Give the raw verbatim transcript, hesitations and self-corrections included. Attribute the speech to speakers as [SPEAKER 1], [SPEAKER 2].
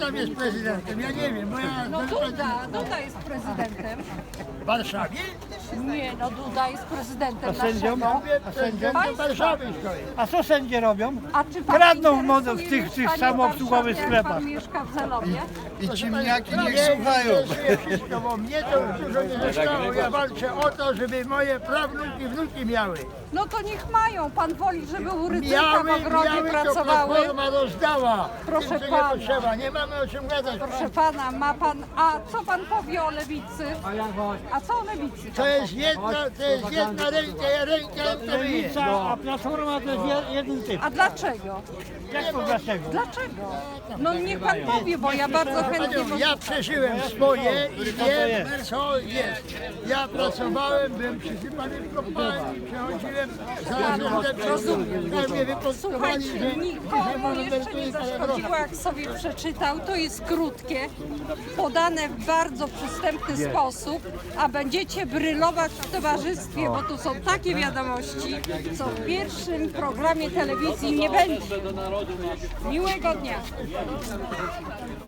[SPEAKER 1] tam jest prezydentem? Ja nie wiem, bo ja...
[SPEAKER 2] No Duda, Duda jest prezydentem.
[SPEAKER 1] W Warszawie?
[SPEAKER 2] Nie, no Duda jest prezydentem
[SPEAKER 3] sędzią?
[SPEAKER 2] naszego.
[SPEAKER 1] Mówię, prezydentem
[SPEAKER 2] Państwa.
[SPEAKER 1] Warszawy stoi.
[SPEAKER 3] A co sędzie robią?
[SPEAKER 2] A czy pan
[SPEAKER 3] Kradną
[SPEAKER 2] interesuje
[SPEAKER 3] modę w tych, w tych
[SPEAKER 2] mieszkanie
[SPEAKER 3] samoobsługowych
[SPEAKER 2] w Warszawie, jak
[SPEAKER 3] sklepach.
[SPEAKER 2] Pan mieszka w Zelowie?
[SPEAKER 4] I ciemniaki
[SPEAKER 1] Nie,
[SPEAKER 4] niech słuchają.
[SPEAKER 1] interesuje wszystko, bo mnie to już dużo nie zostało. Ja walczę o to, żeby moje prawnuki, wnuki miały.
[SPEAKER 2] No to niech mają. Pan woli, żeby u Rydzyka w
[SPEAKER 1] Miały,
[SPEAKER 2] ogrodzie
[SPEAKER 1] miały, to
[SPEAKER 2] pracowały.
[SPEAKER 1] Platforma rozdała.
[SPEAKER 2] Proszę
[SPEAKER 1] Tym, co
[SPEAKER 2] pana.
[SPEAKER 1] nie potrzeba. Nie mamy o czym gadać.
[SPEAKER 2] Proszę pana, ma pan. A co pan powie o lewicy? A co o lewicy?
[SPEAKER 1] To jest jedna, to jest jedna ręka, ja ręka to myję.
[SPEAKER 3] Lewica, a Platforma to jest je- jeden typ.
[SPEAKER 2] A dlaczego?
[SPEAKER 3] Jak to dlaczego?
[SPEAKER 2] Dlaczego? No niech pan powie, bo ja bardzo chętnie...
[SPEAKER 1] Panią, ja przeżyłem swoje i wiem, co jest. Ja pracowałem, byłem przysypany w kopalni, przechodziłem za
[SPEAKER 2] rozumiem.
[SPEAKER 1] mnie wypostowali,
[SPEAKER 2] Słuchajcie,
[SPEAKER 1] że
[SPEAKER 2] nikomu jeszcze nie zaszkodziło, jak sobie przeczytał. To jest krótkie, podane w bardzo przystępny sposób, a będziecie brylować w towarzystwie, bo tu są takie wiadomości, co w pierwszym programie telewizji nie będzie. Miłego dnia.